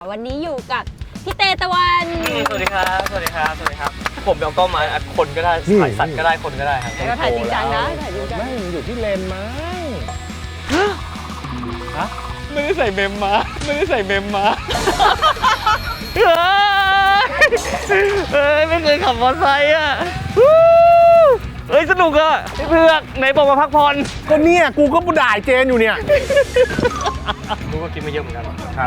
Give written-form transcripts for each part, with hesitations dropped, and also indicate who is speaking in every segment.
Speaker 1: วันนี้อยู่กับพี่เตตะวัน
Speaker 2: สวัสดีครับสวัสดีครับสวัสดีครับผมเอากล้องมาอัดคนก็ได้ถ่ายสัตว์ก็ได้คนก็ได้ครับ
Speaker 1: ก็ถ่ายจริงจังนะถ่ายจริงจัง
Speaker 3: ไม่อยู่ที่เลนมั้ง
Speaker 2: ฮะไม่ได้ใส่เมมมาไม่ได้ใส่เมมมาไม่เคยขับมอเตอร์ไซค์อ่ะเฮ้ยสนุกอ่ะพี่เผือกไหนบอกมาพักผ่อน
Speaker 3: ก็เนี่ยกูก็ด่าเจนอยู่เนี่ย
Speaker 2: รู้ว่ากินมาเยอะเหมือนกัน
Speaker 3: ครับ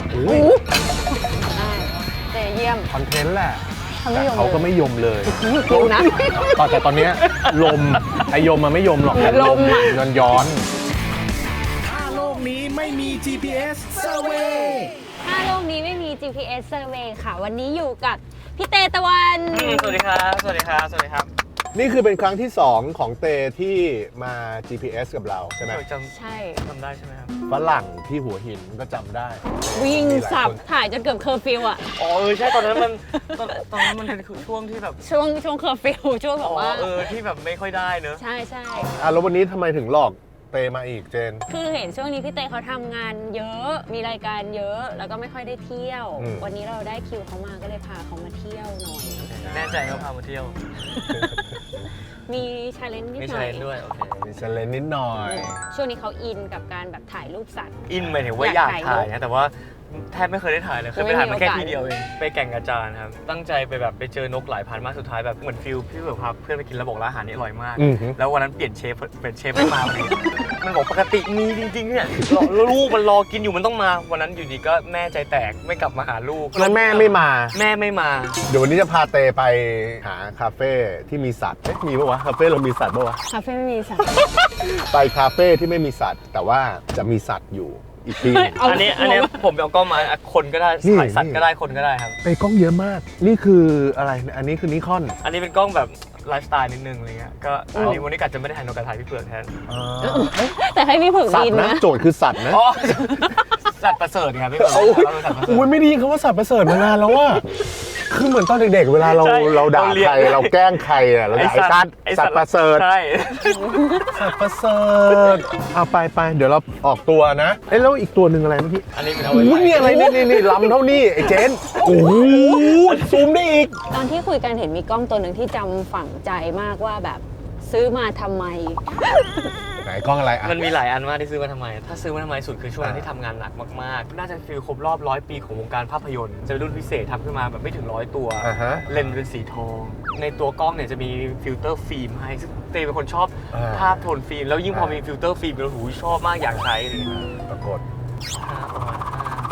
Speaker 1: เตเยี่ยม
Speaker 3: คอนเทนต์แหละ
Speaker 1: เขาไม่
Speaker 3: แต่
Speaker 1: ยอม
Speaker 3: เขาก็ไม่ยมเลย
Speaker 1: ดูนะ
Speaker 3: แต่ตอนเนี้ยลมไอยมมันไม่ยมหรอก
Speaker 1: ลมอะ
Speaker 3: ย้อน
Speaker 4: ถ้าโลกนี้ไม่มี GPS Survey
Speaker 1: ถ้าโลกนี้ไม่มี GPS Survey ค่ะ วันนี้อยู่กับพี่เตตะวัน
Speaker 2: สวัสดีครับสวัสดีครับสวัสดีครับ
Speaker 3: นี่คือเป็นครั้งที่ 2 ของเตที่มา GPS กับเราใช่ไหม
Speaker 1: ใช่
Speaker 2: จำได้ใช่ไหมครับ
Speaker 3: ฝรั่งที่หัวหินก็จำได้
Speaker 1: วิ่ง
Speaker 3: มีหลาย
Speaker 1: สับ
Speaker 3: คน
Speaker 1: ถ่ายจนเกือบเคอร์ฟิวอะ
Speaker 2: อ๋อใช่ตอนนั้นมันตอนนั้นมันเป็นช่วงที่แบบ
Speaker 1: ช่วงเคอร์ฟิวช่วงแบบว่า
Speaker 2: ที่แบบไม่ค่อยได้เนอะ
Speaker 1: ใช่ใช่
Speaker 3: อ่ะแล้ววันนี้ทำไมถึงหลอกเตมาอีกเจน
Speaker 1: คือเห็นช่วงนี้พี่เตเขาทำงานเยอะมีรายการเยอะแล้วก็ไม่ค่อยได้เที่ยว
Speaker 3: อืม
Speaker 1: วันนี้เราได้คิวเขามาก็เลยพาเขามาเที่ยวหน่อย
Speaker 2: แน่ใจเขาพามาเที่ยว
Speaker 1: มีชาเลนจ์นิด
Speaker 2: ไม่
Speaker 1: ห
Speaker 2: ใช่
Speaker 1: น่อย
Speaker 2: ด้วยโอเค
Speaker 3: มีเซเลนนิดหน่อย
Speaker 1: ช่วงนี้เขาอินกับการแบบถ่ายรูปสัตว์
Speaker 2: อินหมายถึงว่าอยากถ่ายนะแต่ว่าแทบไม่เคยได้ถ่ายเลยเคยไปถ่ายมาแค่ทีเดียวเองไปแก่งกระจานครับตั้งใจไปแบบไปเจอนกหลายพันมากสุดท้ายแบบเหมือนฟิลพี่แบบพาเพื่อนไปกินแล้วบอกร้านอาหารนี้อร่อยมาก
Speaker 3: อือฮึ
Speaker 2: แล้ววันนั้นเปลี่ยนเชฟไม่มาพอดีมันบอกปกติมีจริงๆเนี่ยลูกมันรอกินอยู่มันต้องมาวันนั้นอยู่ดีก็แม่ใจแตกไม่กลับมาหาลูก
Speaker 3: แล้วแม่ไม่มา
Speaker 2: แม่ไม่มา
Speaker 3: เดี๋ยววันนี้จะพาเตไปหาคาเฟ่ที่มีสัตว์เอ๊ะมีปะวะคาเฟ่เรามีสัตว์ปะวะ
Speaker 1: คาเฟ่ไม่มีสัตว์
Speaker 3: ไปคาเฟ่ที่ไม่มีสัตว์ แต่ว่าจะมีสัตว์อยู่อีกที่หนึ่ง
Speaker 1: เอา
Speaker 2: อันนี้ผมเอากล้องมาอัดคนก็ได้
Speaker 3: นี่
Speaker 2: ถ่ายสัตว์ก็ได้คนก็ได้ครับ
Speaker 3: ไปกล้องเยอะมาก นี่คืออะไร อันนี้คือนิคอน
Speaker 2: อันนี้เป็นกล้องแบบไลฟ์สไตล์นิดนึงอะไรเงี้ยก็อันนี้วันนี้กะจะไม่ได้ถ่ายนกกระถ่ายพี่เผือกแทน
Speaker 1: แต่ให้พี่เผือก
Speaker 3: สัต
Speaker 1: บิน
Speaker 3: ว์นะ
Speaker 1: นะ
Speaker 3: โจทย์คือสัตว์นะ
Speaker 2: อ๋อสัตว์ประเสริฐไงพี่เผือก
Speaker 3: โอ้ย
Speaker 2: เราเป็นสัตว์ประเสริฐ
Speaker 3: อุ้ยไม่ได้ยินคำว่าสัตว์ประเสริฐมานานแล้วว่าคือเหมือนตอนเด็กๆ เวลาเรา
Speaker 2: ใช่
Speaker 3: เราด่า
Speaker 2: เราเรียน
Speaker 3: ใครเราแกล้งใครอะเราด่าไอ้สัตว์ประเสริฐ
Speaker 2: ใช่
Speaker 3: สัตว์ประเสริฐเอาไปเดี๋ยวเราออกตัวนะเอ้ยแล้วอีกตัวหนึ่งอะไรเมื่อกี้
Speaker 2: อันนี้เป็นเอาไว้
Speaker 3: อุ้ยนี่อะไรนี่ลำเท่านี้ไอ้เจนโอ้โหซูมได้อีก
Speaker 1: ตอนที่คุยกันเห็นมีกล้องตัวหนึ่งที่จำฝังใจมากว่าแบบซื้อมาทำไม
Speaker 3: ไหนกล้องอะไรอ่ะ
Speaker 2: มันมีหลายอันมากที่ซื้อมาทำไม ถ้าซื้อมาทำไมสุดคือช่วงนั้นที่ทำงานหนักมากๆ น่าจะฟีลครบรอบ100 ปีของวงการภาพยนตร์ จะเป็นรุ่นพิเศษทำขึ้นมาแบบไม่ถึง100 ตัว
Speaker 3: อ่าฮะ
Speaker 2: เลนส์เป็นสีทอง ในตัวกล้องเนี่ยจะมีฟิลเตอร์ฟิล์มให้ซึ่งเต้เป็นคนชอบ
Speaker 3: อ่า
Speaker 2: ภาพโทนฟิล์ม แล้วยิ่งพอมีฟิลเตอร์ฟิล์มแล้วหูชอบมากอยากใช้เลย
Speaker 3: ปรากฏ
Speaker 2: ประมาณ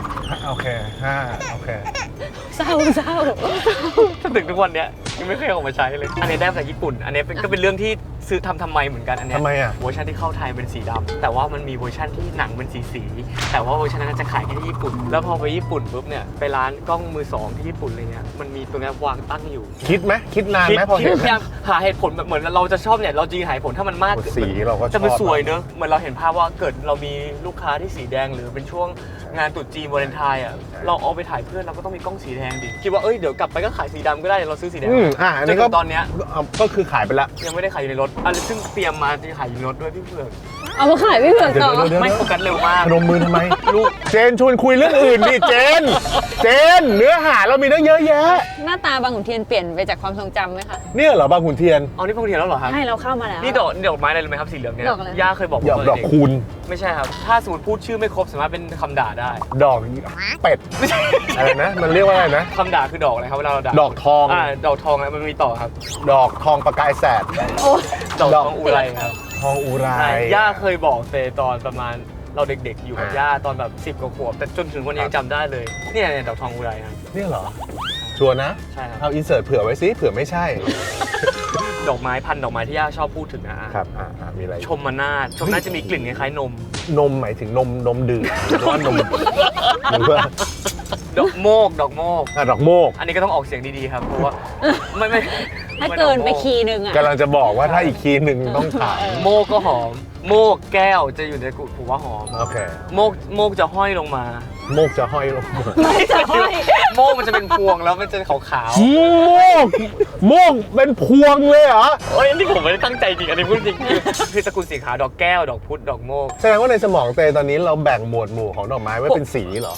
Speaker 2: 5
Speaker 3: โอเคโอเค
Speaker 1: เศร้า
Speaker 2: จนถึงทุกวันเนี้ยยังไม่เคยเอาออกมาใช้เลย อันนี้ได้มาจากญี่ปุ่น อันนี้ก็เป็นเรื่องที่ซื้อทำไมเหมือนกันอันเนี้ย
Speaker 3: ทำไมอ่ะ
Speaker 2: เวอร์ชันที่เข้าไทยเป็นสีดำแต่ว่ามันมีเวอร์ชันที่หนังเป็นสีแต่ว่าเวอร์ชันนั้นจะขายแค่ที่ญี่ปุ่น แล้วพอไปญี่ปุ่นปุ๊บเนี่ยไปร้านกล้องมือสองที่ญี่ปุ่นอะไรเงี้ยมันมีตัวนี้วางตั้งอยู่
Speaker 3: คิดไหมคิดนานไหมพอ
Speaker 2: คิ
Speaker 3: เห็
Speaker 2: ด
Speaker 3: น
Speaker 2: พยายามหาเหตุผลแบบเหมือนเราจะชอบเนี่ยเราจริงหาเหตุผลถ้ามันมาก
Speaker 3: สีเราก็ชอบ
Speaker 2: จะมันสวยเนอะเหมือนเราเห็นภาพว่าเกิดเรามีลูกค้าที่สีแดงหรือเป็นช่วงงานตรุษจีนวาเลนไทน์อ่ะเราเอาไปถ่ายเพื่อนเราก็ต้องมีกล้องสีแดงดิคิดว่าเอ้ยเดี๋ยวกลับไปก็ขายสีดำก็ได้เราซื้อสีแดง
Speaker 3: อันนี้ก็
Speaker 2: จถึงตอนเนี้ย
Speaker 3: ก็คือขายไปละ
Speaker 2: ยังไม่ได้ขายอยู่ในรถอันนี้ซึ่งเตรียมมาจะขายอยู่ในรถด้วยพี่เผือก
Speaker 1: เอามาขายพี่เผือกต่อ
Speaker 3: เดี๋ยว
Speaker 2: ไม่โฟกัสเร็วมาก
Speaker 3: พนมมือทำไม
Speaker 2: ลูก
Speaker 3: เจนชวนคุยเรื่องอื่นดิเจน เนื้อหาเรามีตั้งเยอะแยะ
Speaker 1: หน้าตาบางขุนเทียนเปลี่ยนไปจากความทรงจำไหมคะ
Speaker 3: เนี่ยเหรอบางขุนเทียน
Speaker 2: เอานี่พงเทียนแล้วเหรอครับ
Speaker 1: ให้เราเข้ามาแล้ว
Speaker 2: นี่ดอกไม้อะไรรู้ไหมครับสีเหลืองเนี่ย
Speaker 1: ดอกอะไร
Speaker 2: ย่าเคยบอกผม
Speaker 3: ดอก
Speaker 2: ตน
Speaker 3: ดอก
Speaker 2: เด็ก
Speaker 3: คูณ
Speaker 2: ไม่ใช่ครับถ้าสมมติพูดชื่อไม่ครบสามารถเป็นคำด่าได้
Speaker 3: ดอกเป็ด
Speaker 2: ไม่ใช่
Speaker 3: อะไรนะ มันเรียกว่าอะไรนะ
Speaker 2: คำด่าคือดอกอะไรครับเวลาเราด่า
Speaker 3: ดอกทอง
Speaker 2: ดอกทองอะมันมีต่อครับ
Speaker 3: ดอกทองประกายแสด
Speaker 1: โอ้
Speaker 2: ดอก
Speaker 3: ด
Speaker 2: ท
Speaker 3: อก
Speaker 2: องอุไรครับ
Speaker 3: ทองอุไร
Speaker 2: ใช่ย่าเคยบอกเตตอนประมาณเราเด็กๆ อยู่กับ
Speaker 3: อ่า
Speaker 2: ย่าตอนแบบ10 กว่าขวบแต่จนถึงวันนี้ยังจำได้เลยเนี่ยดอกทองอุไรครับ
Speaker 3: เนี่ยเหรอ ชัวร์นะ
Speaker 2: ใช่ครับ
Speaker 3: เอาอินเสิร์ตเผื่อไว้สิเผื่อไม่ใช่
Speaker 2: ดอกไม้พันธุ์ดอกไม้ที่ย่าชอบพูดถึงนะ
Speaker 3: ครับมีอะไร
Speaker 2: ชมนาทชมนาทจะมีกลิ่นคล้ายๆนม
Speaker 3: นมหมายถึงนมดื่มหรือว่านมหรือว่า
Speaker 2: ดอกโมก
Speaker 3: ดอกโมก
Speaker 2: อันนี้ก็ต้องออกเสียงดีๆครับเพราะว่าไม่
Speaker 1: ถ้าเกินไปคีย์หนึ่งอ่ะ
Speaker 3: กำลังจะบอกว่าถ้าอีกคีย์หนึ่งต้องถาม
Speaker 2: โมกก็หอม โมกแก้วจะอยู่ในกุผมว่าหอม
Speaker 3: โอเค
Speaker 2: โมกจะห้อยลงมา
Speaker 3: โมกจะห้อยลงมา
Speaker 1: ไม่จะห้อย
Speaker 2: โมกมันจะเป็นพวงแล้วมันจะขาว
Speaker 3: โมกเป็นพวงเลยเหรอ
Speaker 2: ๆเอ้ยอันนี่ผมไม่ได้ตั้งใจจริงอันนี้พูดจริงคือตระกูลสีขาวดอกแก้วดอกพุธดอกโมก
Speaker 3: แสดงว่าในสมองเตตอนนี้เราแบ่งหมวดหมู่ของดอกไม้ไว้เป็นสีเหรอ
Speaker 2: เพราะ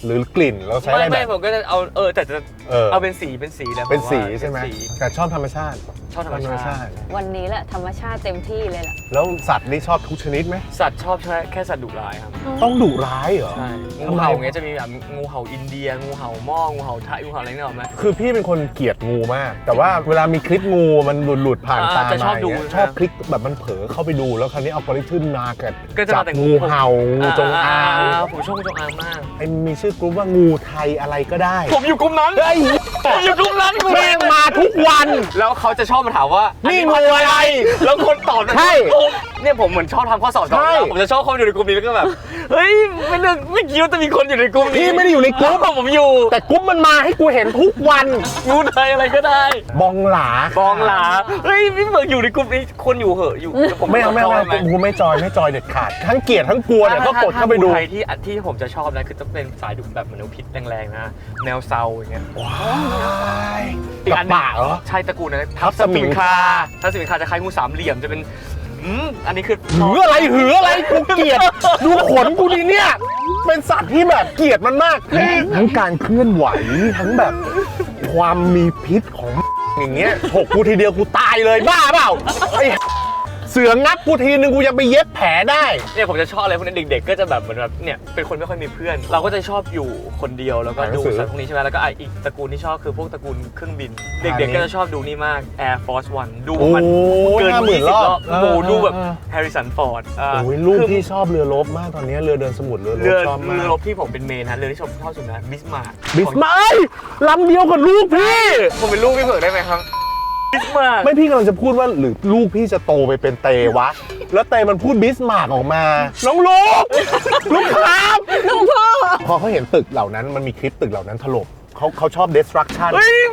Speaker 3: หรือกลิ่นเราใช้อะไรแบ
Speaker 2: ไม่
Speaker 3: บ
Speaker 2: ผมก็จะเอาแต่จะ เอาเป็นสีแหละ
Speaker 3: เป็นสี
Speaker 2: ผว่า
Speaker 3: ใช่ไหม
Speaker 2: เป็นสี
Speaker 3: แต่ชอบธรรมชาติ
Speaker 2: ชอบธรรมชาติ
Speaker 1: วันนี้แหละธรรมชาติเต็มที่เลยแหละ
Speaker 3: แล้วสัตว์นี่ชอบทุกชนิดไหม
Speaker 2: สัตว์ชอบแค่สัตว์ดุร้ายครับ
Speaker 3: ต้องดุร้ายเหรอ
Speaker 2: ใช่
Speaker 3: ทำ
Speaker 2: งู
Speaker 3: ไม
Speaker 2: เห่าเงี้ยจะมีแบบงูเห่าอินเดียงูเห่าหม้องูเห่าไทยงูเห่าอะไรเนี่ยหรอไหม
Speaker 3: คือพี่เป็นคนเกลียดงูมาก แต่ว่าเวลามีคลิปงูมันหลุดผ่านตา
Speaker 2: จะช
Speaker 3: มา
Speaker 2: อบดู
Speaker 3: ย่างเงี้ย
Speaker 2: นะ
Speaker 3: ชอบคลิกแบบมันเผลอเข้าไปดูแล้วคราวนี้อัลกอริทึมมาเกิด
Speaker 2: ก็จะ
Speaker 3: จั
Speaker 2: มา
Speaker 3: บ
Speaker 2: แต่
Speaker 3: งูเห่างูจงอาง
Speaker 2: ผมชอบงูจงอางมาก
Speaker 3: ไอ้มีชื่อกลุ่มว่างูไทยอะไรก็ได้
Speaker 2: ผมอยู่กลุ่มนั้น
Speaker 3: เฮ้ย
Speaker 2: ผมอยู่กลุ่มนั้น
Speaker 3: แม่งมาทุกวัน
Speaker 2: แล้วเขาจะชอบมาถามว่า
Speaker 3: นี่
Speaker 2: นี่
Speaker 3: งูอะไร
Speaker 2: แล้วคนตอบ
Speaker 3: ใช่
Speaker 2: เนี่ยผมเหมือนชอบทำข้อสอบ
Speaker 3: ใช่
Speaker 2: ผมจะชอบเข้าไปอยู่ในกลุ่มนี้แล้วก็แบบเฮ้ยไม่คิดว่าจะมีคนอยู่ในกลุ่มนี้
Speaker 3: พี่ไม่ได้อยู่ในกลุ่ม
Speaker 2: ผมอยู่
Speaker 3: แต่กลุ่มมันมาให้กูเห็นทุกวัน
Speaker 2: งูไทยอะไรก็ได้
Speaker 3: บองหลา
Speaker 2: บองหลาเฮ้ยพี่เบิร์กอยู่ในกลุ่มนี้คนอยู่เหอะอยู่ดี๋ยว
Speaker 3: ไม่เอา
Speaker 2: จยห
Speaker 3: กูไม่จอยเด็ดขาดทั้งเกลียดทั้งกลัวเนี่ยก็กดเข้าไปดู
Speaker 2: ถ้งูไทยที่ผมจะชอบนะคือจะเป็นสายดุแบบเหมือนพิษแรงๆนะแนวเซาอย่างเงี้ย
Speaker 3: กับป่าเหรอ
Speaker 2: ใช่ตระกูลนะ
Speaker 3: ทับสมิงคา
Speaker 2: ทับสมิงคาจะคล้ายงูสามเหลี่ยมจะเป็นอันนี้คือ
Speaker 3: หืออะไรกูเกลียดดูขนกูดิเนี่ยเป็นสัตว์ที่แบบเกลียดมันมากทั้งการเคลื่อนไหวทั้งแบบความมีพิษของอย่างเงี้ยถกกูทีเดียวกูตายเลยบ้าเปล่าไอ้เสืองับกูทีนึงกูยังไปเย็บแผลได้
Speaker 2: เนี่ยผมจะชอบอะไรพวกนี้เด็กๆก็จะแบบเหมือนแบบเนี่ยเป็นคนไม่ค่อยมีเพื่อน เราก็จะชอบอยู่คนเดียวแล้วก็ดูสัตว์พวกนี้ใช่ไหมแล้วก็อีกตระกูลที่ชอบคือพวกตระกูลเครื่องบิน เด็กๆก็จะชอบดูนี่มาก Air Force One ดูมัน
Speaker 3: โอ้ย
Speaker 2: เกิน
Speaker 3: 50,000
Speaker 2: 20 รอบโอ้โหดูแบบ
Speaker 3: เออ
Speaker 2: แฮร์ริสันฟอร์ด
Speaker 3: โอ้ยลูกที่ชอบเรือรบมากตอนนี้เรือเดินสมุทรเรือร
Speaker 2: เรื
Speaker 3: บ
Speaker 2: อ
Speaker 3: ชอบมาก
Speaker 2: รบที่ผมเป็นเมนนะเรือที่ชอบสุดนะบิสมาร์
Speaker 3: บิสมาร์ลำเดียวกับลูกพี่
Speaker 2: ผมเป็นลูกพี่เบิร์กได้ไหมครับบิสมาร์
Speaker 3: ไม่พี่กำลังจะพูดว่าหรือลูกพี่จะโตไปเป็นเตวะ แล้วเตมันพูดบิสมาร์กออกมา น้องลูก ลูกครับลูกพ่อพอเขาเห็นตึกเหล่านั้นมันมีคลิปตึกเหล่านั้นถล่มเขาชอบ destruction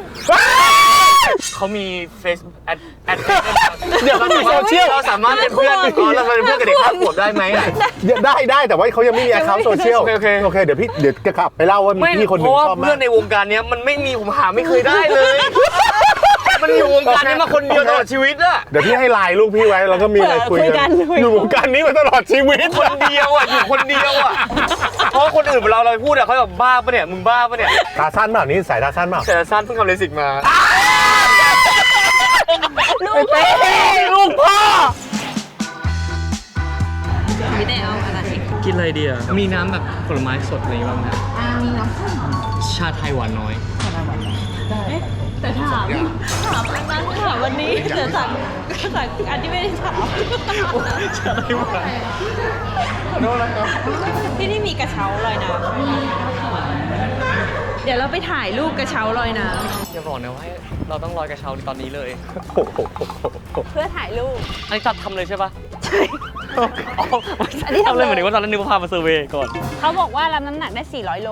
Speaker 2: เขามีเฟซแอด
Speaker 3: เดี๋ยวเขามีโซเชียล
Speaker 2: เราสามารถเป็นเพื่อนเราเป็นเพื่อนกับเด็ก5 ขวบได้ไหมอะ
Speaker 3: ได้แต่ว่าเขายังไม่มี account โซเชียล
Speaker 2: โอเค
Speaker 3: เดี๋ยวจะกลับไปเล่าว่ามี
Speaker 2: ไม่
Speaker 3: พี่คนห
Speaker 2: เพ
Speaker 3: นึ่ง
Speaker 2: ราะว่า
Speaker 3: ชอบมา
Speaker 2: เพื่อก นในวงการเนี้ยมันไม่มีผมหาไม่เคยได้เลย มันอยู่วงการนี้มาคนเดียวตลอดชีวิตอะ
Speaker 3: เดี๋ยวพี่ให้ไลน์ลูกพี่ไว้แล้วก็มีอะไรคุยกันอยู่วงการนี้มาตลอดชีวิต
Speaker 2: คนเดียวอะอยู่คนเดียวอะเพราะคนอื่นเราพูดอะเขาแบบบ้าปะเนี่ยมึงบ้าปะเนี่ย
Speaker 3: ตาสั้นเปล่านี่สายตาสั้นเปล่า
Speaker 2: แต่สั้นเพิ่งทำเลสิกมา
Speaker 1: ลูกพ่อ
Speaker 2: ลูกพ่อ
Speaker 1: ไม่ได้เอาอะไร
Speaker 2: กินอะไรดีอ่ะมีน้ำแบบผลไม้สดอะไรบ้างนะมีน้ำส้มชาไทยหวานน้อย
Speaker 5: แต่ถามอันนั้นถามวันนี้แต่สั่งอันที่ไม่ได้ถาม
Speaker 2: ชาไทยหวานขอโทษนะครับ
Speaker 5: ที่นี่มีกระเช้าลอยน้ำเดี๋ยวเราไปถ่ายรูปกระเช้าลอยน้
Speaker 2: อย่าบอกนะว่าเราต้องลอยกระเช้าตอนนี้เลย
Speaker 1: เพื่อถ่ายรูป
Speaker 2: อันนี้จัดทำเลยใช่ปะใช่
Speaker 1: อันนี้ทำเลย
Speaker 2: ทำเลยเหมือนว่าตอนนั้นนึกว่าพามาเซอร์เวย์ก่อน
Speaker 1: เขาบอกว่ารับน้ำหนักได้ 400 โล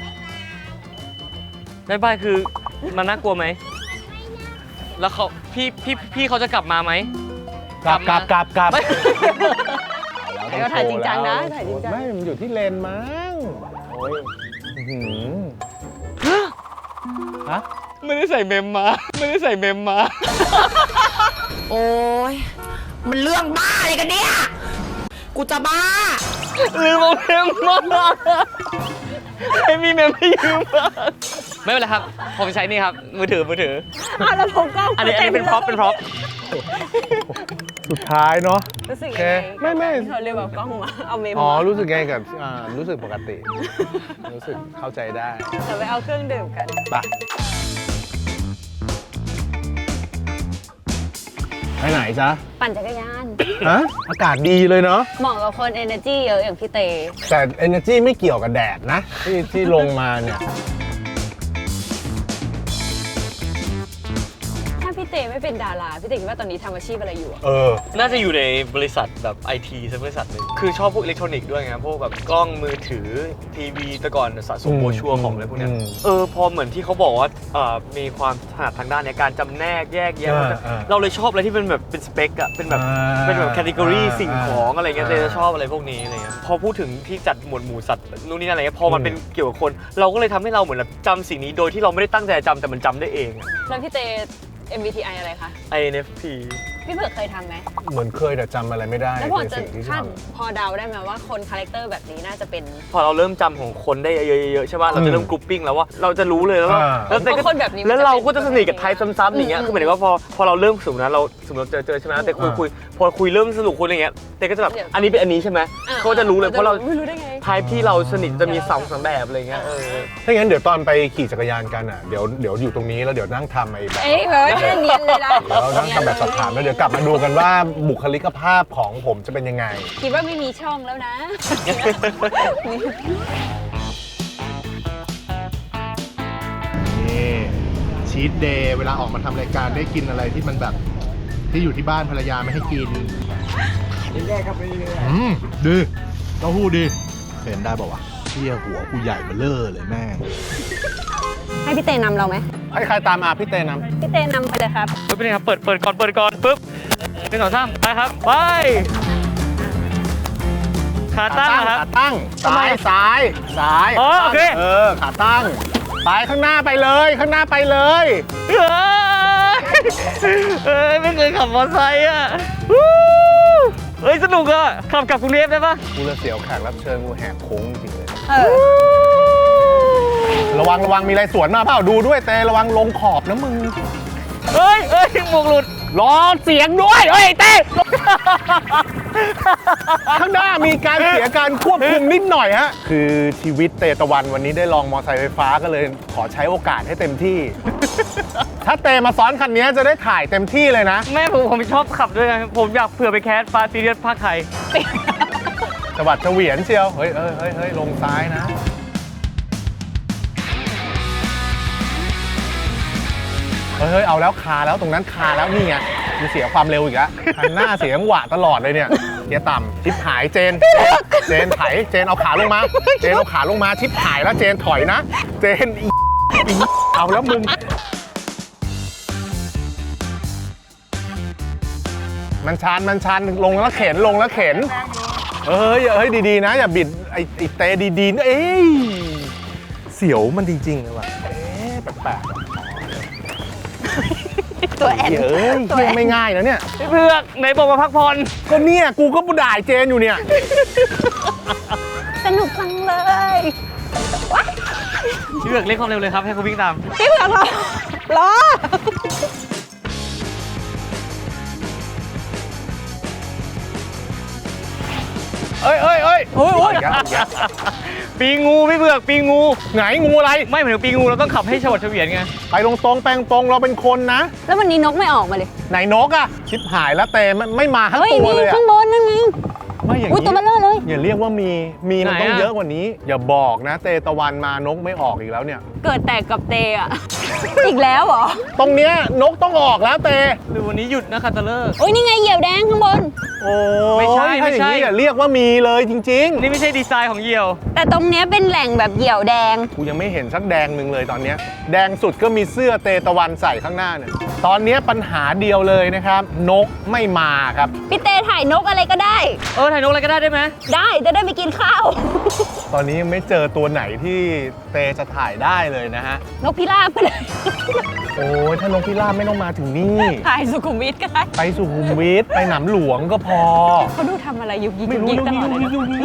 Speaker 2: บายบายคือมันน่ากลัวไหมแล้วเขาพี่เขาจะกลับมาไหม
Speaker 3: กลับ
Speaker 2: ไม่
Speaker 1: ก็ถ่ายจริงจังนะถ่ายจริงจัง
Speaker 3: ไม่มันอยู่ที่เลนมั้งโอ้ยอื้อหือฮะ
Speaker 2: ไม่ได้ใส่เมมมาไม่ได้ใส่เมมมา
Speaker 6: โอ้ยมันเรื่องบ้าอะไรกันเนี่ย กูจะบ้า
Speaker 2: ลืมเอาเมมมาไม่มีเมมให้ยืมมาไม่เป็นไรครับ ผมใช้นี่ครับ มือถือ
Speaker 1: อ้าวแล้วผมก็
Speaker 2: อันนี้เป็นพร็อพ
Speaker 3: สุดท้ายเนาะ
Speaker 1: รู้สึก
Speaker 3: โอ
Speaker 1: ยัง
Speaker 3: เค
Speaker 1: ไง
Speaker 3: ไม่
Speaker 1: ที่เขาเรียกแบบกล้องมาเอาเมม
Speaker 3: อ๋อ
Speaker 1: มา
Speaker 3: รู้สึกไงกับรู้สึกปกติ รู้สึกเข้าใจได้
Speaker 1: เดี๋ยวไปเอาเครื่องดื่มกัน
Speaker 3: ไปไหนจ๊ะ
Speaker 1: ปั่นจักรยาน
Speaker 3: ฮะอากาศดีเลยเนาะ
Speaker 1: เหมาะกับคน energy เยอะอย่างพี่เต
Speaker 3: แต่ energy ไม่เกี่ยวกับแดดนะที่ลงมาเนี่ย
Speaker 1: ถ้าพี่เตไม่เป็นดารา พี่เตคิดว่าตอนนี้ทำอาชีพอะไรอยู่อะ
Speaker 2: น่าจะอยู่ในบริษัทแบบ IT สักบริษัทหนึ่งคือชอบพวกอิเล็กทรอนิกส์ด้วยไงพวกแบบกล้องมือถือทีวีแต่ก่อนสะสมโบรชัวร์ของอะไรพวกเนี้ยพอเหมือนที่เขาบอกว่ามีความถนัดทางด้านในการจำแนกแยกแยะเราเลยชอบอะไรที่เป็นแบบเป็นสเปคอะเป็นแบบแคตตากรีสิ่งของอะไรเงี้ยเลยจะชอบอะไรพวกนี้อะไรเงี้ยพอพูดถึงที่จัดหมวดหมู่สัตว์นู่นนี่อะไรเงี้ยพอมันเป็นเกี่ยวกับคน เราก็เลยทำให้เราเหมือนแบบจำสิ่งนี้โดยที่เราไม่ได้ตั้งใจจำแต่มันจำได้เองอะ
Speaker 1: แล้วพี่เต MBTI อะไรคะ
Speaker 2: INFP
Speaker 1: พี่เผือกเคยทำไหม
Speaker 3: เหมือนเคยแต่จำอะไรไม่ได้
Speaker 1: แล้วพอ
Speaker 3: ใน
Speaker 1: จะ
Speaker 3: สิ่งที่
Speaker 1: คาด
Speaker 3: ทำ
Speaker 1: พอเดาได้ไหมว่าคนคาแรคเตอร์แบบนี้น่าจะเป็น
Speaker 2: พอเราเริ่มจำของคนได้เยอะๆใช่ป่ะเราจะเริ่มกรุ๊ปปิ้งแล้วว่าเราจะรู้เลยแล้วว่า
Speaker 3: อ่า
Speaker 2: แล้วแต่
Speaker 1: เพราะคนแบบนี้มัน
Speaker 2: แล้วเราก็
Speaker 1: จะ
Speaker 2: จะ
Speaker 1: เป็น
Speaker 2: สนิทกับไทป์ซ้ำๆอย่างเงี้ยคือหมายถึงว่าพอเราเริ่มสมมตินะเราสมมติเจอใช่ไหมแต่คุยพอคุยเริ่มสนุกคุยอะไรเงี้ยแต่ก็จะแบบอันนี้เป็นอันนี้ใช่ไหมเขาจะรู้เลยเพราะเรา
Speaker 1: ไม่รู้ได้ไง
Speaker 2: ไทป์ที่เราสนิทจะมี2-3แบบอะไรเงี้ย
Speaker 3: ถ้างั้นเดี๋ยวตอนไปขี่จักรยานกันอ่ะเดี๋ยวอยู่ตรงนี้แล้วเดี๋ยวนั่งทำไอ้แบบ
Speaker 1: เอ้ยเฮ้ยแค่เนียนเลยนะ
Speaker 3: เดี๋ยวเรานั่งทำแบบสอบถามแล้วเดี๋ยวกลับมาดูกันว่าบุคลิกภาพของผมจะเป็นยังไง
Speaker 1: คิดว่าไม่มีช่องแล้วนะ
Speaker 3: นี่ชีทเดย์เวลาออกมาทำรายการได้กินอะไรที่มันแบบที่อยู่ที่บ้านภรรยาไม่ให้กินแยกกันไปเลยดีเต้าหู้ดีเห็นได้บอกว่าเที่ยหัวกูใหญ่เบ้อเร่อเลยแม่ง
Speaker 1: ให้พี่เตนำเราไหม
Speaker 3: ให้ใครตามมาพี่เต้นำ
Speaker 1: พี่เตนำไปเลยครับ
Speaker 2: เป็นไงครับเปิดก่อนปุ๊บ1 2 3ไปครับไปขาตั้งนะครับ
Speaker 3: ขาตั้งซ้ายซ้าย
Speaker 2: อ๋อโอเค
Speaker 3: ขาตั้งไปข้างหน้าไปเลยข้างหน้าไปเลย
Speaker 2: ไม่เคยขับมอเตอร์ไซค์อ่ะวู้เฮ้ยสนุกอ่ะขับกลับกรุงเทพได้ปะ
Speaker 3: กูเลยเสียวแขกรับเชิญกูแหกโค้งจริงเลย
Speaker 1: เออ
Speaker 3: ระวังมีอะไรสวนมาเปล่าดูด้วยเตระวังลงขอบนะมึง
Speaker 2: เฮ้ยหมวกหลุด
Speaker 3: รอเสียงด้วยเฮ้ยเต้ ข้างหน้ามีการเสียการควบคุมนิดหน่อยฮะ คือชีวิตเตตะวันวันนี้ได้ลองมอเตอร์ไซค์ไฟฟ้าก็เลยขอใช้โอกาสให้เต็มที่ ถ้าเตมาซ้อนคันนี้จะได้ถ่ายเต็มที่เลยนะ
Speaker 2: แม่ผมชอบขับด้วยไงผมอยากเผื่อไปแคสฟาซีเรียสภาคไทย
Speaker 3: จังหวัดเฉวียนเชียว เฮ้ยลงซ้ายนะ เฮ้ยเอาแล้วคาแล้วตรงนั้นคาแล้วนี่ไงมีเสียความเร็วอีกแล้วคันหน้าเสียงหวะตลอดเลยเนี่ยเกียร์ต่ำชิปหายเจนไถเจนเอาขาลงมาเจนเอาขาลงมาชิปหายแล้วเจนถอยนะเจนอีเอาแล้วมึงมันชันลงแล้วเข็นเฮ้ยดีๆนะอย่าบิดไอ้เตดีๆนะเอ้ยเสียวมันจริงๆเลยว่ะแปลก
Speaker 1: ตัวแอน
Speaker 3: เฮ้ยเที่ยงไม่ง่ายนะเนี่ย
Speaker 2: พี่เพือกไหนบอกมาพักผ่อน
Speaker 3: ก็เนี่ยกูก็ด่าเจนอยู่เนี่ย
Speaker 1: สนุกจังเลย
Speaker 2: พี่เพือกเร่งความเร็วเลยครับให้เขาวิ่งตาม
Speaker 1: พี่เผือกรอ
Speaker 3: เอ้ย
Speaker 1: โอ้ย
Speaker 2: ปีงูพี่เพือกปีงู
Speaker 3: ไหนงูอะไร
Speaker 2: ไม่เหมือนปีงูเราต้องขับให้ฉวัดเฉวียนไง
Speaker 3: ไปตรงๆแปลงตรงเราเป็นคนนะ
Speaker 1: แล้ววันนี้นกไม่ออกมาเลย
Speaker 3: ไหนนกอะชิบหายแล้วเตไม่มาทั้ง
Speaker 1: เฮ้ย
Speaker 3: ตัว
Speaker 1: มี
Speaker 3: เลยอะ
Speaker 1: ข้างบนนั่นไง
Speaker 3: ไม่อย่าง
Speaker 1: อุ้ยตัว
Speaker 3: นี้
Speaker 1: เบลอเลย
Speaker 3: อย่าเรียกว่ามีมันต้องเยอะกว่านี้ อย่าบอกนะเตตะวันมานกไม่ออกอีกแล้วเนี่ย
Speaker 1: เกิดแตกกับเตอะ อีกแล้วเหรอ
Speaker 3: ตรงเนี้ยนกต้องออกแล้วเต
Speaker 2: หรือวันนี้หยุดนะคาตาเลอร์
Speaker 1: โอ้ยนี่ไงเหยี่ยวแดงข้างบน
Speaker 3: โอ้
Speaker 2: ไม่ใช่
Speaker 3: ถ้าอย่างนี้อย่าเรียกว่ามีเลยจริง
Speaker 2: นี่ไม่ใช่ดีไซน์ของเหยี่ยว
Speaker 1: แต่ตรงเนี้ยเป็นแหล่งแบบเหยี่ยวแดง
Speaker 3: ๆ กูยังไม่เห็นสักแดงหนึ่งเลยตอนเนี้ยแดงสุดก็มีเสื้อเตตะวันใส่ข้างหน้าเนี่ยตอนเนี้ยปัญหาเดียวเลยนะครับนกไม่มาครับ
Speaker 1: พี่เตถ่ายนกอะไรก็ได้
Speaker 2: ถ่ายนกอะไรก็ได้ไหม
Speaker 1: ได้จะได้ไปกินข้าว
Speaker 3: ตอนนี้ยังไม่เจอตัวไหนที่เตจะถ่ายได้เลยนะฮะ
Speaker 1: นกพิราบไปเลย
Speaker 3: โอ้ยถ้านกพิราบไม่ต้องมาถึงนี่
Speaker 1: ถ่ายสุขุมวิทก็ได้
Speaker 3: ไปสุขุมวิทไปหนำหลวงก็พอ
Speaker 1: เขาดูทำอะไรยุกยิก
Speaker 3: ไม่รู้
Speaker 1: ยิกตลอดเลย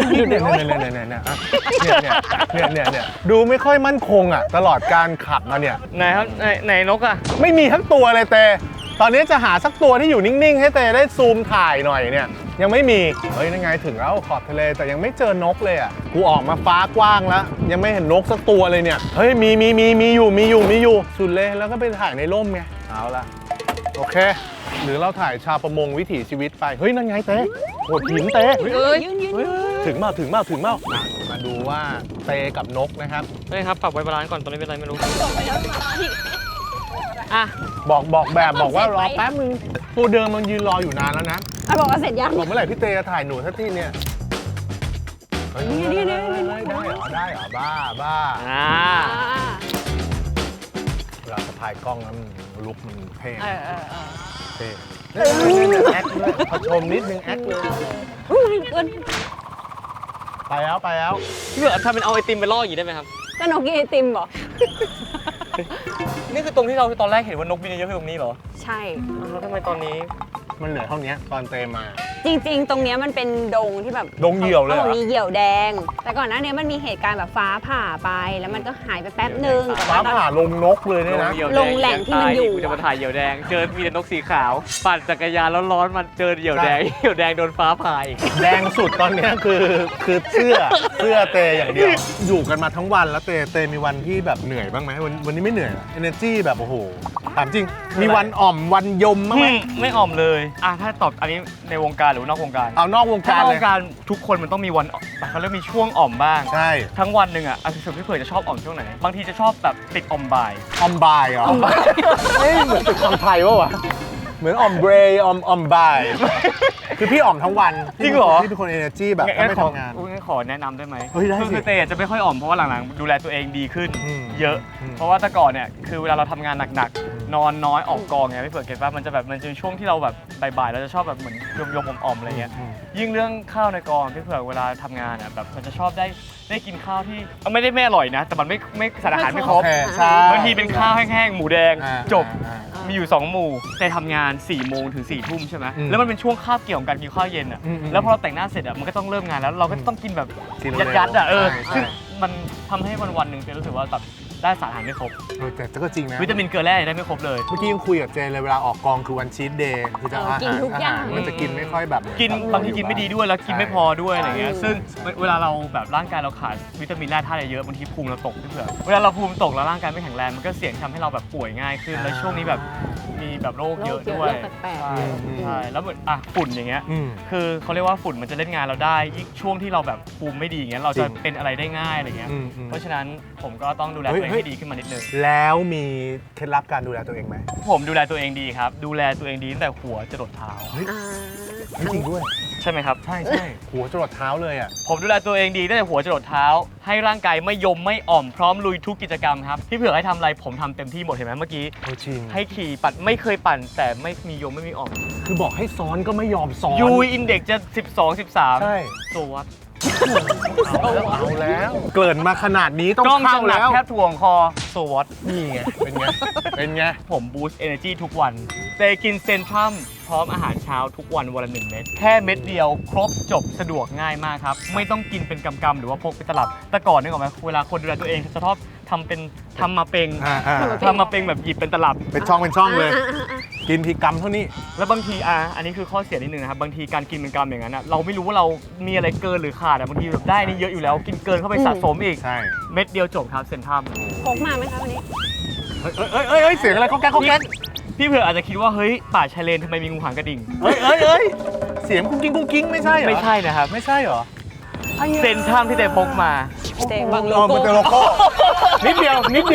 Speaker 3: เนี่ยดูไม่ค่อยมั่นคงอ่ะตลอดการขับมาเนี่ย
Speaker 2: ไหนครับไหนนกอ่ะ
Speaker 3: ไม่มีทั้งตัวเลยเตตอนนี้จะหาสักตัวที่อยู่นิ่งๆให้เตได้ซูมถ่ายหน่อยเนี่ยยังไม่มีเฮ้ยนั่นไงถึงแล้วขอบทะเลแต่ยังไม่เจอนกเลยอ่ะกูออกมาฟ้ากว้างแล้วยังไม่เห็นนกสักตัวเลยเนี่ยเฮ้ยมีอยู่สุดเลยแล้วก็ไปถ่ายในร่มไงเอาละโอเคหรือเราถ่ายชาวประมงวิถีชีวิตไปเฮ้ยนั่นไงเต้โหดหินเต้
Speaker 1: ยืน
Speaker 3: ถึงเมามาดูว่าเตกับนกนะครับ
Speaker 2: เฮ้ยครับปรับไว้บาลานซ์ก่อนตอนนี้เป็นไรไม่รู้อ่ะ
Speaker 3: บอกว่ารอแป๊บนึงตัวเดิมมันยืนรออยู่นานแล้วนะ
Speaker 1: บอกว่าเสร็จยัง
Speaker 3: บอกเมื่อไหร่พี่เตจะถ่ายหนูสักทีเนี่ยเฮ้ยได้เหรอบ้า เวลาสะพายกล้องแล้วมันลุกมันเท่เท่แอคเลยพอชมนิดนึงแอคเลยไปแล้ว
Speaker 2: พี่เบือกทำเป็นเอาไอติมไปล่ออย่างนี้ได้ไหมครับ
Speaker 1: ก็นกกินไอติมเหรอ
Speaker 2: นี่คือตรงที่เราตอนแรกเห็นว่านกบินเยอะๆคือตรงนี้เหรอ
Speaker 1: ใช่
Speaker 2: แล้วทำไมตอนนี้
Speaker 3: มันเหลือเท่านี้ตอนเตมา
Speaker 1: จริงๆ ตรงเนี้ยมันเป็นดงที่แบบ
Speaker 3: ดงเหยี่ยวเลยเหรอ
Speaker 1: ขาบอกมีเหยี่ยวแดง แต่ก่อนหน้านี้มันมีเหตุการณ์แบบฟ้าผ่าไป แล้วมันก็หายไปแป๊บนึงแต่
Speaker 3: ฟ้า
Speaker 1: ว่า
Speaker 3: ผ่าลงนกเลยเนี่ยนะ
Speaker 1: ลงแหล่งที่มันอยู่
Speaker 2: กูจะมาถ่ายเหยี่ยวแดง เจอมีแต่นกสีขาว ปั่นจักรยานแล้วร้อนมันเจอเหยี่ยวแดง เหยี่ยวแดงโดนฟ้าผ่าอีก
Speaker 3: แดงสุดตอนเนี้ยคือเสื้อเตอย่างเดียว อยู่กันมาทั้งวันแล้วเตมีวันที่แบบเหนื่อยบ้างไหมวันนี้ไม่เหนื่อยเหรอ energy แบบโอ้โหถามจริง มีวันอ่อมวันยมบ้างไหม
Speaker 2: ไม่อ่อมเลยถ้าตอบอันนี้ในวงการหรือนอกวงการ
Speaker 3: เอานอกวง
Speaker 2: ถ้า
Speaker 3: การ
Speaker 2: นอก
Speaker 3: เล
Speaker 2: วย งการทุกคนมันต้องมีวันเขาเรียกมีช่วงอ่อมบ้าง
Speaker 3: ใช่
Speaker 2: ทั้งวันหนึ่งอ่ะส่วนพี่เผือกจะชอบอ่อมช่วงไหน บางทีจะชอบแบบติดอ่อมบ่าย
Speaker 3: ออมบายเหรอเฮ้ยเหมือนตึกคำไทยวะเหมือนออมเบรย์ออมบายคือพี่อ่อมทั้งวัน
Speaker 2: จริงเหรอ
Speaker 3: พี่เป็นคน energy แบบถ้าไม่ทำงาน
Speaker 2: งั้นขอแนะนำได้ไหม
Speaker 3: เฮ้ยได้สิ
Speaker 2: คือเตยจะไม่ค่อยอ่อมเพราะว่าหลังๆดูแลตัวเองดีขึ้น
Speaker 3: อืม
Speaker 2: เยอะ
Speaker 3: อืม
Speaker 2: เพราะว่าแต่ก่อนเนี่ยคือเวลาเราทำงานหนักๆนอนน้อยออกกองไงพี่เผือกเก็ตป่ะมันจะช่วงที่เราแบบบ่ายๆเราจะชอบแบบเหมือนยมๆอ่อมๆอะไรเงี้ย ยิ่งเรื่องข้าวในกองพี่เผือกเวลาทำงานอ่ะแบบมันจะชอบได้กินข้าวที่ไม่ได้ไม่อร่อยนะ แต่มันไม่สารอาหารไม่ครบ
Speaker 3: โอเคใช่
Speaker 2: บางทีเป็นข้าวแห้งๆหมูแดง
Speaker 3: อ่า
Speaker 2: จบ
Speaker 3: อ่า
Speaker 2: มีอยู่ 2 หมู่แต่ทำงาน4 โมงถึง 4 ทุ่มใช่ไหม
Speaker 3: อืม
Speaker 2: แล้วมันเป็นช่วงคาบเกี่ยวกับการกินข้าวเย็นอ่ะ
Speaker 3: อืม
Speaker 2: แล้วพอเราแต่งหน้าเสร็จอ่ะมันก็ต้องเริ่มงานแล้วเราก็ต้องกินแบบ
Speaker 3: กินเร็ว
Speaker 2: ยัดๆอ่ะ
Speaker 3: ใช่ใช่
Speaker 2: ซึ่งมันทำให้วันๆหนึ่งเจรู้สึกว่าแบบได้สารอาหารไม่ครบ
Speaker 3: แต่ก็จริงนะ
Speaker 2: วิตามินเกลือแร่ได้ไม่ครบเลย
Speaker 3: เมื่อกี้ยังคุยกับเจนเลยเวลาออกกองคือวันชีทเดย์คือจะอาหาร
Speaker 1: กินทุกอย่าง
Speaker 3: อาหารมันจะกินไม่ค่อยแบบ
Speaker 2: กินบางทีกินไม่ดีด้วยแล้วกินไม่พอด้วยอะไรเงี้ย
Speaker 3: ใช่
Speaker 2: ซึ่งเวลาเราแบบร่างกายเราขาดวิตามินแร่ธาตุเยอะบางทีภูมิเราตกพี่เผือกเวลาเราภูมิตกแล้วร่างกายไม่แข็งแรงมันก็เสี่ยงทำให้เราแบบป่วยง่ายขึ้นแล้วช่วงนี้แบบมีแบบโรคเยอะด้วย
Speaker 1: โรคแปลกๆ
Speaker 2: ใช่ใช่แล้วเหมือนฝุ่นอย่างเงี้ย
Speaker 3: อืม
Speaker 2: คือเขาเรียกว่าฝุ่นมันจะเล่นงานเราได้ยิ่งช่วงที่เราแบบภูมิไม่ดีอย่างเงี้ยเราจะ
Speaker 3: จริง
Speaker 2: เป็นอะไรได้ง่ายอะไรเงี้ย
Speaker 3: อืม
Speaker 2: เพราะฉะนั้นผมก็ต้องดูแลตัวเองให้ดีขึ้นมานิดนึง
Speaker 3: แล้วมีเคล็ดลับการดูแลตัวเองไหม
Speaker 2: ผมดูแลตัวเองดีครับดูแลตัวเองดีตั้งแต่หัวจรดเท้า
Speaker 1: อ่า
Speaker 3: ไม่จริงด้วย
Speaker 2: ใช่ไหมครับ
Speaker 3: ใช่หัวจรดเท้าเลยอ่ะ
Speaker 2: ผมดูแลตัวเองดีตั้งแต่หัวจรดเท้า ให้ร่างกายไม่ยมไม่อ่อมพร้อมลุยทุกกิจกรรมครับพี่เผือกให้ทำอะไรผมทำเต็มที่หมดเห็นไหมเมื่อกี้
Speaker 3: โอ้จริง
Speaker 2: ให้ขี่ปั่นไม่เคยปั่น แต่ไม่มียมไม่มีอ่อม
Speaker 3: คือบอกให้ซ้อนก็ไม่ยอมซ้อน
Speaker 2: ยูอินเด็กจะ 12 13
Speaker 3: ใช่
Speaker 2: โซวัต
Speaker 3: เอาแล้ว เกริ่นมาขนาดนี้ต้อง
Speaker 2: กล้อง
Speaker 3: เข้า
Speaker 2: จะหนัก
Speaker 3: แล้ว
Speaker 2: แทบถ่วงคอโซวัต
Speaker 3: นี่ไง เป็นไง เป็นไง
Speaker 2: ผมบูสต์เอเนจีทุกวันเจกินเซนทรัมพร้อมอาหารเช้าทุกวันวันละ1 เม็ดแค่เม็ดเดียวครบจบสะดวกง่ายมากครับ ไม่ต้องกินเป็นกำๆหรือว่าพกไปตลับ แต่ก่อนนึกออกไหมเวลาคนดูแลตัวเองจะชอบทำมาเป็น ทำมาเป็นแบบหยิบเป็นตลับ
Speaker 3: เป็นช่องเลย กินทีกรรมเท่านี้
Speaker 2: แล้วบางทีอันนี้คือข้อเสียนิดนึงนะครับบางทีการกินเป็นกรัมอย่างนั้นเราไม่รู้ว่าเรามีอะไรเกินหรือขาดบางทีแบบได้นี่เยอะอยู่แล้วกินเกินเข้าไปสะสมอีก
Speaker 3: ใช่
Speaker 2: เม็ดเดียวจบครับเซนทรัม
Speaker 1: พกมาไหมคะวันนี้
Speaker 3: เฮ้ย เสียงอะไรเขาแก๊กเขาแก๊ก
Speaker 2: พี่เผื่ออาจจะคิดว่าเฮ้ยป่าชายเลนทำไมมีงูหางกระดิ่ง
Speaker 3: เฮ้ย เสียงกุ้งกิ้งไม่ใช่เหรอ
Speaker 2: ไม่ใช่นะครับ
Speaker 3: ไม่ใช่เหรอ
Speaker 2: เซนทรัมที่เตพกมา
Speaker 1: เตะบังโล
Speaker 3: อ๋อมัน
Speaker 1: โก้
Speaker 3: จะโลโก้นิดเดียว
Speaker 2: 5 4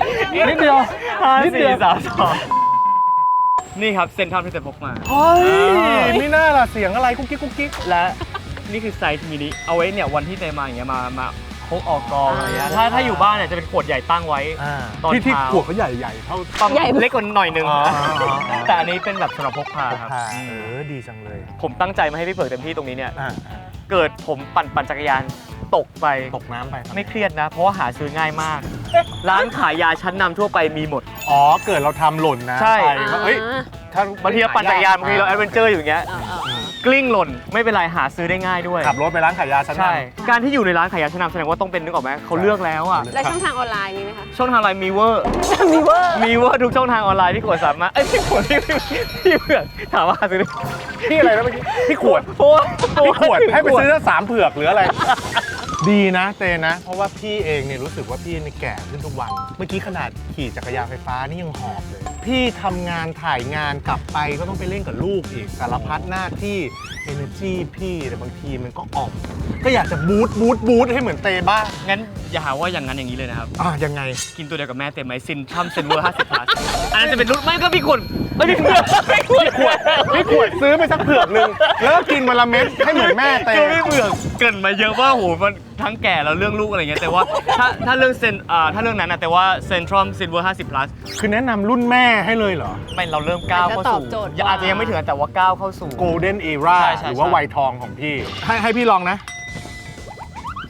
Speaker 2: 3 2นี่ครับเซนทรัมที่เตพกมา
Speaker 3: เฮ้ยไม่น่าล่ะเสียงอะไรกุ๊กกิ๊ก
Speaker 2: และนี่คือไซส์มินิเอาไว้เนี่ยวันที่เตมาอย่างเงี้ยมาพกออกกองอะไรเงี้ยถ้าอยู่บ้านเนี่ยจะเป็นขวดใหญ่ตั้งไว้ ตอน
Speaker 3: ที่
Speaker 2: เช้า
Speaker 3: ขวดเขาใหญ่ๆเท่า
Speaker 2: ต้องเล็กกว่าหน่อยนึง
Speaker 3: อ๋อ
Speaker 2: แต่อันนี้เป็นแบบสำหรับพกพาครับ
Speaker 3: ดีจังเลย
Speaker 2: ผมตั้งใจมาให้พี่เผือกเต็มที่ตรงนี้เนี่ย
Speaker 3: อ่า
Speaker 2: เกิดผมปั่นจักรยานตกไป
Speaker 3: ตกน้ำไปครับ
Speaker 2: ไม่เครียดนะ เพราะว่าหาซื้อง่ายมาก ร้านขายยาชั้นนำทั่วไปมีหมด
Speaker 3: อ๋อ เกิดเราทำหล่นนะ
Speaker 2: ใช่
Speaker 3: ไปก็เอ้ยถ้า
Speaker 2: บางทีเราปั่นจักรยานบางทีเราแอดเวนเจอร์อยู่อย่างเงี้ยกลิ้งหล่นไม่เป็นไรหาซื้อได้ง่ายด้วย
Speaker 3: ขับรถไปร้านขายยาชั้นนำ
Speaker 2: ใช่ การที่อยู่ในร้านขายยาชั้นนำแสดงว่าต้องเป็นนึกออกไหมเขาเลือกแล้วอ่ะ
Speaker 1: แล้วช่องทางออนไลน์มีไหมคะ
Speaker 2: ช่องทางออนไลน์มีเวอร์
Speaker 1: มีเวอร์
Speaker 2: มีเวอร์ทุกช่องทางออนไลน์ที่ขวดสามารถพี่ขวดพี่เผือกถามว่าหาซื้อได้
Speaker 3: พี่อะไรนะเมื่อกี้พี่ขวด
Speaker 2: เพราะว่า
Speaker 3: พี่ขวดให้ไปซื้อสามเผือกหรืออะไร ดีนะเตนะ เพราะว่าพี่เองเนี่ยรู้สึกว่าพี่นี่แก่ขึ้นทุกวัน เมื่อกี้ขนาดขี่จักรยานไฟฟ้านี่ยังหอบเลย พี่ทำงานถ่ายงานกลับไปก็ต้องไปเล่นกับลูกอีกสารพัดหน้าที่ energy พี่แต่บางทีมันก็อ่อม ก็อยากจะบูทให้เหมือนเตบ้าง
Speaker 2: งั้นอย่าหาว่าอย่างนั้นอย่างนี้เลยนะครับ
Speaker 3: ยังไง
Speaker 2: กินตัวเดียวกับแม่เต็มไหมซินทรัมเซนเวอร์50 plus อันนั้นจะเป็นรุ่นไม่ก็พี่ขวดไม่พี่ขวดพี่ขวด
Speaker 3: พี่ขวดซื้อไปสักเผือกนึงแล้วก็กินวันละเม็ดให้เหมือนแม่เต
Speaker 2: คือพี่เผือกเกรินมาเยอะว่าโหมันทั้งแก่แล้วเรื่องลูกอะไรเงี้ยแต่ว่าถ้าเรื่องถ้าเรื่องนั้นนะแต่ว่าเซนทรัมเซนเวอร์50 plus
Speaker 3: คือแนะนำรุ่นแม่ให้เลยเหรอ
Speaker 2: ไม่เราเริ่มก้าวเข้าสู่
Speaker 1: อาจจะตอบโจทย์กว่า
Speaker 2: อาจจะยังไม่ถึงแต่ว่าก้าวเข้าสู่
Speaker 3: Golden Era
Speaker 2: ใช่ใช่
Speaker 3: หรือว่าวัยทองของพี่ ให้พี่ลองนะ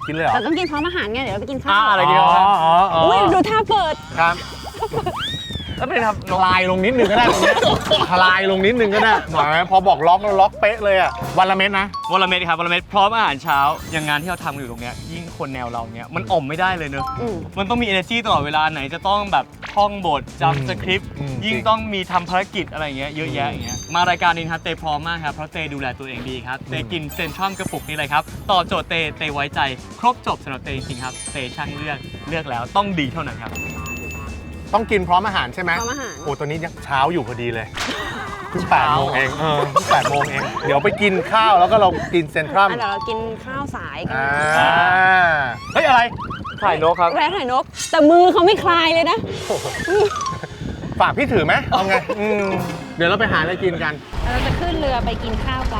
Speaker 3: กินเลยเหรอ
Speaker 1: แต่ต้องกินพร้อมอาหารไงเดี๋ยวเราไปกินข้าว
Speaker 2: อะไรกินครับ
Speaker 1: อุ้ยดูท่าเปิด
Speaker 3: ครับ
Speaker 2: แล้วเป็นครับ
Speaker 3: ทลายลงนิดนึงก็ได้ตรงเนี้ยทลายลงนิดนึงก็ได้หมายพอบอกล็อกแล้วล็อกเป๊ะเลยอ่ะวันละเม็ดนะ
Speaker 2: วอลเมดครับวอลเมดพร้อมอาหารเช้าอย่างงานที่เราทำอยู่ตรงเนี้ยยิ่งคนแนวเราเนี้ยมันอ่อมไม่ได้เลยเนอะ
Speaker 1: อืม
Speaker 2: มันต้องมี energy ตลอดเวลาไหนจะต้องแบบท่องบทจำสคริปต์ยิ่งต้องมีทำภารกิจอะไรอย่างเงี้ยเยอะแยะอย่างเงี้ยมารายการนี้ครับเตพร้อมมากครับเพราะเตดูแลตัวเองดีครับเตกินเซนทรัมกระปุกนี่เลยครับตอบโจทย์เตไว้ใจครบจบสำหรับเตจริงๆครับเตช่างเลือกแล้วต้องดีเท่านั้นครับ
Speaker 3: ต้องกินพร้อมอาหารใช่ไหม
Speaker 1: พร้อมอาหาร
Speaker 3: โอ้ตัวนี้ยังเช้าอยู่พอดีเลยเพิ่ง8 โมงเองเพิ่ง8 โมงเองเดี๋ยวไปกินข้าวแล้วก็เรากินเซนทรัม
Speaker 1: เดี๋ยวเรากินข้าวสายกัน
Speaker 3: เฮ้ยอะไร
Speaker 2: ถ่ายนกครับ
Speaker 1: แร้ถ่ายนก แต่มือเขาไม่คลายเลยนะ
Speaker 3: ฝากพี่ถือไหมเอาไงเดี๋ยวเราไปหาอะไรกินกัน
Speaker 1: เราจะขึ้นเรือไปกินข้าวกัน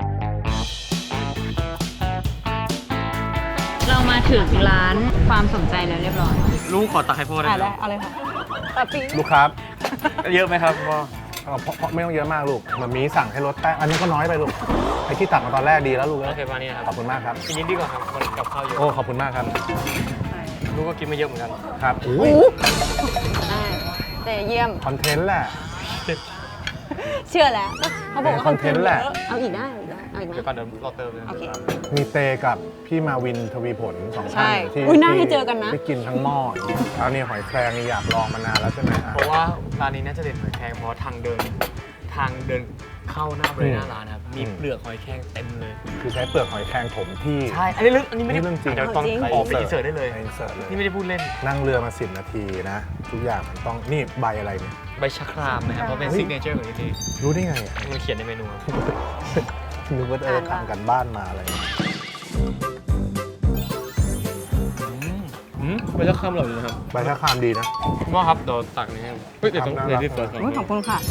Speaker 1: เรามาถึงร้านความสนใจแล้วเรียบร้อย
Speaker 2: ลูกขอตักให้พ่อได้
Speaker 1: อ่ะ
Speaker 2: ไหม
Speaker 1: ได้เอาเลยค่ะตัดปี
Speaker 3: ลูกครับ
Speaker 2: เยอะไหมครับพ่อ
Speaker 3: เพราะไม่ต้องเยอะมากลูกมันมีสั่งให้ลดแป้งอันนี้ก็น้อยไปลูกไอ้ที่ตักมาตอนแรกดีแล้วลูก
Speaker 2: โอ
Speaker 3: เอ้ย
Speaker 2: เคมานี่นะค
Speaker 3: ข
Speaker 2: รั
Speaker 3: อ
Speaker 2: บบ
Speaker 3: คุณมากครับ
Speaker 2: กินนิดดีกว่าครับมันกับข้าวเยอะ
Speaker 3: โอ้ขอบคุณมากครับ
Speaker 2: ลูกก็กินไม่เยอะเหมือนกัน
Speaker 3: ครับอุ้ย
Speaker 1: ได้แต่เยี่ยม
Speaker 3: คอนเทนต์แหละ
Speaker 1: เชื่อแล้ว เขาบอกว่า
Speaker 3: คอนเทนต์แหละ
Speaker 1: เอาอีกได้เอาอีกไหม
Speaker 2: เดี๋ยวก่อนเดี๋ยวรอเติมเลย
Speaker 1: โอเค
Speaker 3: มีเตกับพี่มาวินทวีผลสอง
Speaker 1: ใช่
Speaker 3: ท่านที่
Speaker 1: อุ๊ยน่าให้เจอกันนะ
Speaker 3: ที่กินทั้งหม้อเอาเนี่ยหอยแครงนี่อยากลองมานานแล้วใช่ไหม
Speaker 2: เพราะว่าร้านนี้น่าจะเด่นหอยแครงเพราะทางเดินเข้าหน้าบริเวณหน้าร้านนะครับมีเปลือกหอยแครงเต็มเลย
Speaker 3: คือใช้เปลือกหอยแครงถมที่
Speaker 2: ใช่อันนี้ไม่ได้
Speaker 3: เรื่องจริง
Speaker 2: เดี๋ยวต้องออกไปอินเสิร์ตได้เลย
Speaker 3: ไปอินเสิร์ตเลย
Speaker 2: นี่ไม่ได้พูดเล่น
Speaker 3: นั่งเรือมา10 นาทีนะ ทุกอย่างมันต้องนี่ใบอะไรเนี่ย
Speaker 2: ใบชะครามนะครับเพราะเป็น
Speaker 3: เฮ้ย
Speaker 2: ซิกเนเจอร์ของที่นี่
Speaker 3: รู้ได้ไงอ่ะ
Speaker 2: มันเขียนในเมนูครับ
Speaker 3: นึกว่าทำกันบ้านมาอะไร
Speaker 2: ใบชะครามอร่อยนะครับ
Speaker 3: ใบชะครามดีนะ
Speaker 2: พ่อครับเดี๋ยวตักนี้ให้เฮ้ยเดี๋ยวต้อง
Speaker 3: ครับ
Speaker 2: เดี๋ยวรีบเปิดก่อน
Speaker 1: ขอบคุณค่ะ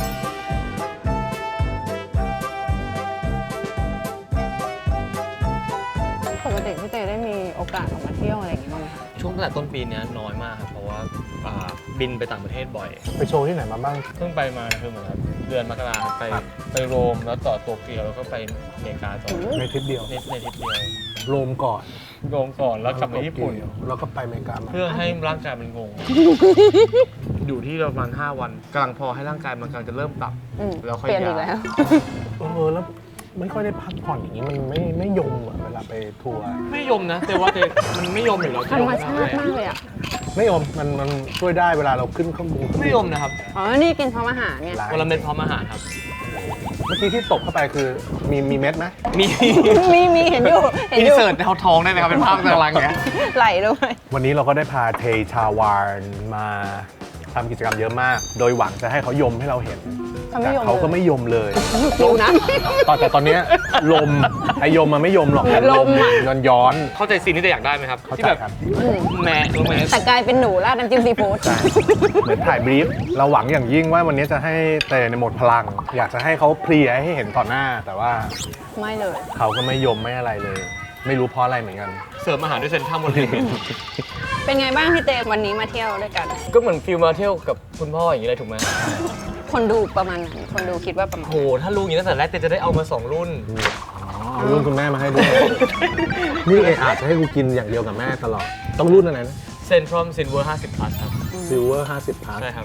Speaker 1: ปกติพี่เตได้มีโอกาสออกมาเที่ยวอะไรอย่างเงี้ยบ้างไหมคะ
Speaker 2: ช่วงตั้งแต่ต้นปีเนี้ยน้อยมากครับเพราะว่าบินไปต่างประเทศบ่อย
Speaker 3: ไปโชว์ที่ไหนมาบ้าง
Speaker 2: เพิ่งไปมาคือเหมือนครับเดือนมกราครับไปโรมแล้วต่อโตเกียวแล้วก็ไปอเมริกาต่อ
Speaker 3: ในทริปเดียว
Speaker 2: ในทริปเดียว
Speaker 3: โรมก่อน
Speaker 2: โรมก่อนแล้วกลับมาญี่ปุ่น
Speaker 3: แล้วก็ไปอเมริกามา
Speaker 2: เพื่อให้ร่างกายมันงง อยู่ที่ประมาณ5 วันกำลังพอให้ร่างกายมันกำลังจะเริ่มปรับ
Speaker 1: อืม
Speaker 2: แล้วค่อย
Speaker 1: เปลี่ยนอีก
Speaker 2: ย้าย
Speaker 1: แล้ว
Speaker 3: แล้วไม่ค่อยได้พักผ่อนอย่างนี้มันไม่ยมอ่ะเวลาไปทัวร์
Speaker 2: ไม่ยมนะแต่ว่ามันไม่ยมอยู่แล้ว
Speaker 1: ธรรมชาติมากเลยอ่ะ
Speaker 3: ไม่ยมมันช่วยได้เวลาเราขึ้นข้างบน
Speaker 2: ไม่ยมนะครับ
Speaker 1: อ๋อ นี่กินพร้อมอาหารเนี่ย
Speaker 2: วันละเม็ดพร้อมอาหารครับ
Speaker 3: เมื่อกี้ที่ตบเข้าไปคือมีเม็ดไหม
Speaker 2: มี
Speaker 1: มีเห็นอยู่ เห็น
Speaker 2: อิ
Speaker 1: อน ยู่
Speaker 2: เสิร์ตในท้องได้ไหมครับเป็นภาพกำลังเนี้ย
Speaker 1: ไหลด้วย
Speaker 3: วันนี้เราก็ได้พาเทชาวานมาทำกิจกรรมเยอะมาก โดยหวังจะให้เขายมให้เราเห็น
Speaker 1: เขาไม่
Speaker 3: แต่
Speaker 1: ยม
Speaker 3: เขาก็ไม่ยมเลย
Speaker 1: ฟิวนะ
Speaker 3: แต่ตอนเนี้ยลมไอยมมันไม่ยมหรอกแต่
Speaker 1: ลมอะ
Speaker 3: ย้อน
Speaker 2: เข้าใจซีนที่จะอยากได้ไหมครับ
Speaker 3: เข้าใจ
Speaker 2: ที่แบบ
Speaker 3: ครับ
Speaker 2: แม่รู้ไหม
Speaker 1: แต่กลายเป็นหนูราดน้ำจิ้มซีฟู้ด
Speaker 3: ใช่เหมือนถ่ายบรีฟเราหวังอย่างยิ่งว่าวันนี้จะให้เตในหมดพลัง อยากจะให้เขาเพลียให้เห็นต่อหน้า แต่ว่า
Speaker 1: ไม่เลย
Speaker 3: เขาก็ไม่ยมไม่อะไรเลย ไม่รู้เพราะอะไรเหมือนกัน
Speaker 2: เสิร์ฟอาหารด้วยเซนทรัมวันนี้
Speaker 1: เป็นไงบ้างพี่เตวันนี้มาเที่ยวด้วยกัน
Speaker 2: ก็เหมือนฟิลมาเที่ยวกับคุณพ่ออย่างนี้เลยถูกไหม
Speaker 1: คนดูประมาณไหนคนดูคิดว่าประมาณ
Speaker 2: โหถ้ารู้อย่างนี้ตั้งแต่แรกเต้จะได้เอามา2 รุ่น
Speaker 3: เอารุ่นคุณแม่มาให้ด้วย นี่เออาจจะให้กูกินอย่างเดียวกับแม่ตลอด ต้องรุ่นอะไรนะ
Speaker 2: เซนทรัมซินเวอร์50 plus ครับ
Speaker 3: ซิลเวอร์50 พัท
Speaker 2: ใช่ครับ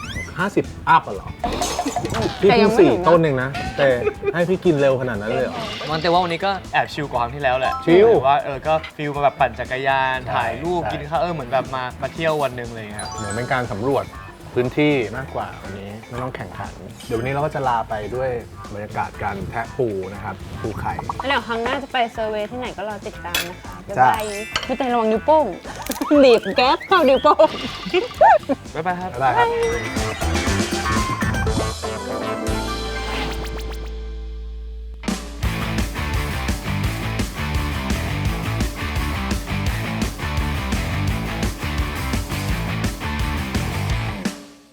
Speaker 3: 50 อัพอ่ะเหรอ พี่
Speaker 1: แต่ยั
Speaker 3: เพิ่ง
Speaker 1: งไม่ถึงนะ
Speaker 3: 4 ต้นเองนะ แต่ให้พี่กินเร็วขนาดนั้นเลยเหรอ
Speaker 2: มันแต่ว่าวันนี้ก็แอบชิลกว่าครั้งที่แล้วแหละ
Speaker 3: ชิล
Speaker 2: ว่าก็ฟิลมาแบบปั่นจักรยาน
Speaker 3: ใช่
Speaker 2: ถ่ายรูป
Speaker 3: ใช่
Speaker 2: กินข้าวเหมือนแบบมาเที่ยววันหนึ่งเลยครับ
Speaker 3: เหมือนเป็นการสำรวจพื้นที่มากกว่าวันนี้ไม่ต้องแข่งขัน เดี๋ยววันนี้เราก็จะลาไปด้วยบรรยากาศการแทะปูนะครับ ปูไข่
Speaker 1: แล้วเดี๋ยวครั้งหน้าจะไปเซอร์เวย์ที่ไหนก็รอติดตามนะคะบ๊าย
Speaker 3: จ้ะ
Speaker 1: บายพี่เตระวังนิ้วโป้ง หนีบแก๊สเข้านิ้วโป้ง
Speaker 2: บ๊ายบายครับ
Speaker 3: ได้ครับ